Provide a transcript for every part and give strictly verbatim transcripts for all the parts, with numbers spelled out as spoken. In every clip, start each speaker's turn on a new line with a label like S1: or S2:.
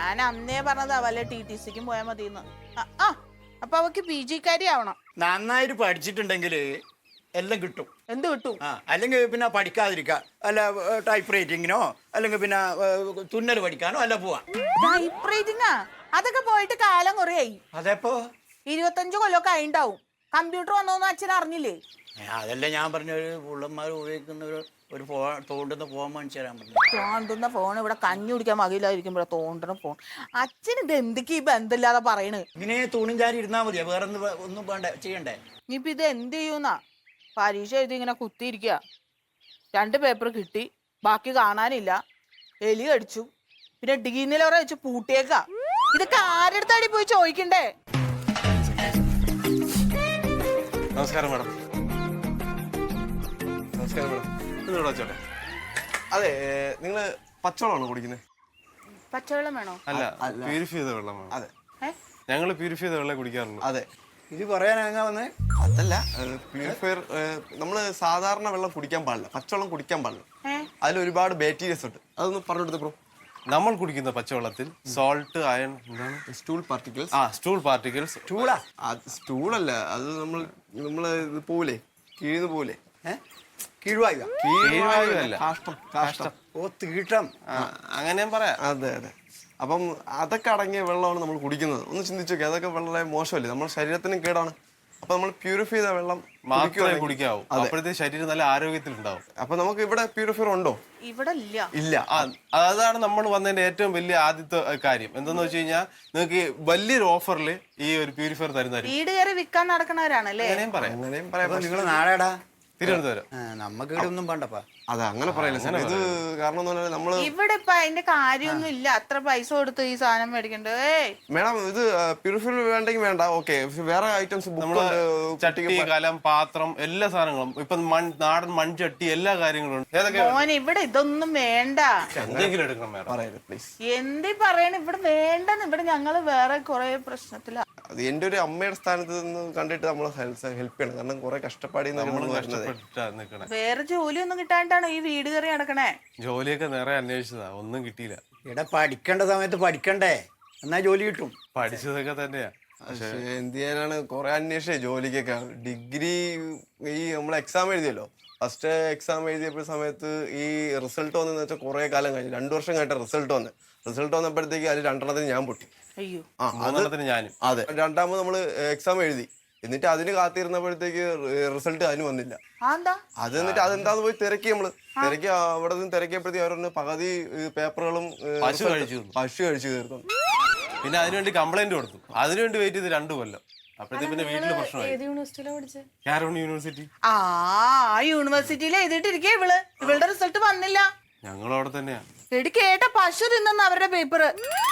S1: ഞാൻ അന്നേ പറഞ്ഞതാ വല്ല ടി ടി സിക്കും പോയാൽ മതിന്ന്. ആ അപ്പൊ അവക്ക് പി ജിക്കാരി ആവണം.
S2: നന്നായിട്ട് പഠിച്ചിട്ടുണ്ടെങ്കിൽ എല്ലാം കിട്ടും.
S1: എന്ത് കിട്ടും?
S2: ആ അല്ലെങ്കിൽ പിന്നെ പഠിക്കാതിരിക്കുക, അല്ല ടൈപ്പ് റൈറ്റിങ്ങിനോ അല്ലെങ്കിൽ പിന്നെ തുന്നൽ പഠിക്കാനോ അല്ല പോവാ.
S1: ടൈപ്പ് റൈറ്റിംഗാ? അതൊക്കെ പോയിട്ട് കാലം കുറയായി.
S2: അതെപ്പോ
S1: ഇരുപത്തഞ്ചു കൊല്ലമൊക്കെ ആയിണ്ടാവും. കമ്പ്യൂട്ടർ വന്നോന്ന് അച്ഛൻ അറിഞ്ഞില്ലേ?
S2: അതല്ല ഞാൻ പറഞ്ഞ ഒരു പുള്ളന്മാർ ഉപയോഗിക്കുന്ന ഒരു ഒരു ഫോ തോണ്ടുന്ന ഫോൺ മേടിച്ചു തരാൻ പറഞ്ഞു.
S1: തോണ്ടുന്ന ഫോൺ ഇവിടെ കഞ്ഞി കുടിക്കാൻ മകയില്ലാതിരിക്കുമ്പോഴാ തോണ്ടുന്ന ഫോൺ. അച്ഛൻ ഇത് എന്തൊക്കെ ഈ ബന്ധമില്ലാതെ പറയണ്?
S2: ഇങ്ങനെ തൂണും ചാരി ഇരുന്നാ മതിയാ, വേറെ ഒന്നും വേണ്ട ചെയ്യണ്ടേ?
S1: ഇനിയിപ്പോ ഇത് എന്ത് ചെയ്യൂന്നാ? പരീക്ഷ എഴുതി ഇങ്ങനെ കുത്തിയിരിക്കുക. രണ്ട് പേപ്പർ കിട്ടി, ബാക്കി കാണാനില്ല. എലി കടിച്ചു, പിന്നെ ഡീനിലോറെ വെച്ച് പൂട്ടിയേക്കാ. ഇതൊക്കെ ആരെടുത്താടി പോയി ചോദിക്കണ്ടേ?
S3: നമസ്കാരം മാഡം. നമസ്കാരം മാഡം. ഇതോടെ ചോട്ടെ. അതെ, നിങ്ങള് പച്ചവെള്ളമാണോ കുടിക്കുന്നത്?
S1: പച്ചവെള്ളം വേണോ?
S3: അല്ല, പ്യൂരിഫൈ ചെയ്ത വെള്ളമാണ്. അതെ, ഞങ്ങൾ പ്യൂരിഫൈ ചെയ്ത വെള്ളം കുടിക്കാറുള്ളൂ. അതെ,
S2: ഇത് പറയാനാ വന്നേ?
S3: അതല്ല, പ്യൂരിഫയർ നമ്മള് സാധാരണ വെള്ളം കുടിക്കാൻ പാടില്ല, പച്ചവെള്ളം കുടിക്കാൻ പാടില്ല. അതിൽ ഒരുപാട് ബാക്ടീരിയസ് ഉണ്ട്. അതൊന്ന് പറഞ്ഞു കൊടുത്ത് ബ്രോ. നമ്മൾ കുടിക്കുന്ന പച്ചവെള്ളത്തിൽ സോൾട്ട്, അയൺ, എന്താണ് സ്റ്റൂൾ പാർട്ടിക്കിൾസ്. ആ സ്റ്റൂൾ പാർട്ടിക്കിൾസ്.
S2: സ്റ്റൂളാ?
S3: സ്റ്റൂളല്ല, അത് നമ്മൾ നമ്മള് ഇത് പോലെ കീഴ്ന്ന് പോലെ
S2: കീഴ്വായു.
S3: കീഴ്വായു അല്ല, കാഷ്ടം.
S2: കാഷ്ടം. ഓ, തീട്ടം.
S3: അങ്ങനെയും പറയാം. അതെ അതെ. അപ്പം അതൊക്കെ അടങ്ങിയ വെള്ളമാണ് നമ്മൾ കുടിക്കുന്നത്. ഒന്ന് ചിന്തിച്ചു നോക്കി, അതൊക്കെ വളരെ മോശമല്ലേ, നമ്മുടെ ശരീരത്തിനും കേടാണ്. അപ്പൊ നമ്മൾ പ്യൂരിഫൈ ചെയ്ത വെള്ളം മാത്രമേ കുടിക്കാവൂ. അപ്പോഴത്തെ ശരീരം നല്ല ആരോഗ്യത്തിൽ ഉണ്ടാവും. അപ്പൊ നമുക്ക് ഇവിടെ പ്യൂരിഫയർ ഉണ്ടോ?
S1: ഇവിടെ ഇല്ല.
S3: ഇല്ല. അതാണ് നമ്മൾ വന്നതിന്റെ ഏറ്റവും വലിയ ആദ്യത്തെ കാര്യം. എന്താന്ന് വെച്ച് കഴിഞ്ഞാൽ നിങ്ങൾക്ക് വലിയൊരു ഓഫറിൽ ഈ ഒരു പ്യൂരിഫയർ തരുന്നതായിരിക്കും.
S1: വീട് കയറി വിൽക്കാൻ നടക്കണവരാണല്ലേ?
S3: അങ്ങനെയും പറയാം, അങ്ങനെയും പറയാം.
S2: നിങ്ങൾ നാളെടാ?
S3: തിരുവനന്തപുരം.
S2: നമുക്ക് ഇവിടെ ഒന്നും വേണ്ടപ്പാ.
S3: അതെ, അങ്ങനെ പറയില്ല സാർ. ഇത് കാരണം എന്ന് പറഞ്ഞാൽ നമ്മള്
S1: ഇവിടെ ഇപ്പൊ അതിന്റെ കാര്യമൊന്നും ഇല്ല. അത്ര പൈസ കൊടുത്ത് ഈ സാധനം മേടിക്കണ്ടേ?
S3: മേഡം, ഇത് പ്യൂരിഫയർ വേണ്ടെങ്കിൽ വേണ്ട, ഓക്കെ. വേറെ ഐറ്റംസ് നമ്മള് ചട്ടി, കലം, പാത്രം, എല്ലാ സാധനങ്ങളും ഇപ്പൊ നാടൻ മൺചട്ടി, എല്ലാ കാര്യങ്ങളും.
S1: മോനെ ഇവിടെ ഇതൊന്നും വേണ്ട.
S3: എന്തെങ്കിലും എടുക്കണം മേഡം, പറയരുത് പ്ലീസ്.
S1: എന്തി പറയണ? ഇവിടെ വേണ്ടെന്ന്. ഇവിടെ ഞങ്ങള് വേറെ കുറെ പ്രശ്നത്തില.
S3: അത് എന്റെ ഒരു അമ്മയുടെ സ്ഥാനത്ത് നിന്ന് കണ്ടിട്ട് നമ്മളെ ഹെൽപ്പ് ചെയ്യണം. കാരണം കുറെ കഷ്ടപ്പാടി.
S1: വേറെ ജോലിയൊന്നും കിട്ടാണ്ടാണോ ഈ വീട് കയറി നടക്കണേ?
S3: ജോലിയൊക്കെ നേരെ അന്വേഷിച്ചതാ, ഒന്നും കിട്ടിയില്ല.
S2: ഇവിടെ പഠിക്കേണ്ട സമയത്ത് പഠിക്കണ്ടേ, എന്നാ ജോലി കിട്ടും.
S3: പഠിച്ചതൊക്കെ തന്നെയാ, പക്ഷേ എന്ത് ചെയ്യാനാണ്, കുറെ അന്വേഷിച്ചേ ജോലിക്കൊക്കെ. ഡിഗ്രി ഈ നമ്മൾ എക്സാം എഴുതിയല്ലോ, ഫസ്റ്റ് എക്സാം എഴുതിയപ്പോൾ സമയത്ത് ഈ റിസൾട്ട് വന്നെന്ന് വെച്ചാൽ കുറെ കാലം കഴിഞ്ഞു, രണ്ടു വർഷം കഴിഞ്ഞ റിസൾട്ട് വന്ന് റിസൾട്ട് വന്നപ്പോഴത്തേക്ക് അതിൽ രണ്ടെണ്ണത്തിന് ഞാൻ പൊട്ടി.
S1: അയ്യോ.
S3: ആ, ഞാനും. അതെ, രണ്ടാമത് നമ്മള് എക്സാം എഴുതി, എന്നിട്ട് അതിന് കാത്തിരുന്നപ്പോഴത്തേക്ക് റിസൾട്ട് അതിന് വന്നില്ല. അത് എന്നിട്ട് അതെന്താന്ന് പോയി തിരക്കി നമ്മള് തിരക്കി അവിടെ നിന്ന് തിരക്കിയപ്പോഴത്തേക്ക് അവരൊന്ന് പകുതി പേപ്പറുകളും പശു കഴിച്ചു പശു കഴിച്ചു തീർന്നു. പിന്നെ അതിനുവേണ്ടി കംപ്ലൈന്റ് കൊടുത്തു. അതിനുവേണ്ടി വെയിറ്റ് ചെയ്ത് രണ്ടു കൊല്ലം. അപ്പോഴത്തേക്ക് പിന്നെ വീട്ടില് പ്രശ്നമായി. കാരോൺ യൂണിവേഴ്സിറ്റി.
S1: ആ യൂണിവേഴ്സിറ്റിയിൽ എഴുതിയിട്ടിരിക്കേ ഇവള്. ഇവളുടെ റിസൾട്ട് വന്നില്ല.
S3: ഞങ്ങളും അവിടെ തന്നെയാ.
S1: എടി കേട്ട പശു തിന്നെന്ന് അവരുടെ പേപ്പർ.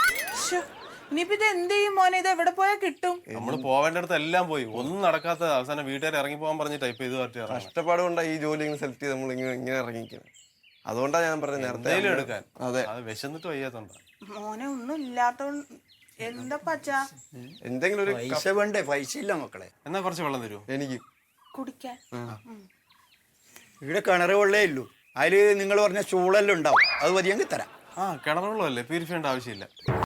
S1: ഇനിയിപ്പോ ഇത് എന്ത് ചെയ്യും മോനെ? ഇത് എവിടെ പോയാൽ കിട്ടും?
S3: നമ്മള് പോവേണ്ടടുത്ത് എല്ലാം പോയി, ഒന്നും നടക്കാത്ത അവസാനം വീട്ടുകാർ ഇറങ്ങി പോകാൻ പറഞ്ഞ് ടൈപ്പ് ചെയ്ത് പറ്റിയ കഷ്ടപ്പാട് കൊണ്ടാണ് ഈ ജോലി സെലക്ട് ചെയ്ത് നമ്മൾ ഇങ്ങനെ ഇങ്ങനെ ഇറങ്ങിക്കുന്നത്. അതുകൊണ്ടാണ് ഞാൻ പറഞ്ഞത് നേരത്തെ എടുക്കാൻ. അതെ, അത് വിശന്നിട്ട് വയ്യാത്തോണ്ടാ.
S1: മോനെ ഒന്നും ഇല്ലാത്തോണ്ട് എന്താ പച്ചാ?
S2: എന്തെങ്കിലും ഒരു പൈസ വേണ്ടേ? പൈസ ഇല്ല മക്കളെ.
S3: എന്നാ കുറച്ച് വെള്ളം തരുമോ എനിക്ക്
S1: കുടിക്കാൻ?
S2: ഇവിടെ കിണറ് വെള്ളേ ഉള്ളൂ. അതില് നിങ്ങൾ പറഞ്ഞ ചൂളെല്ലാം ഉണ്ടാവും, അത് മതിയെങ്കിൽ തരാം.
S3: ആ, കിണർ വെള്ളമല്ലേ, പ്യൂരിഫൈ ചെയ്യേണ്ട ആവശ്യമില്ല.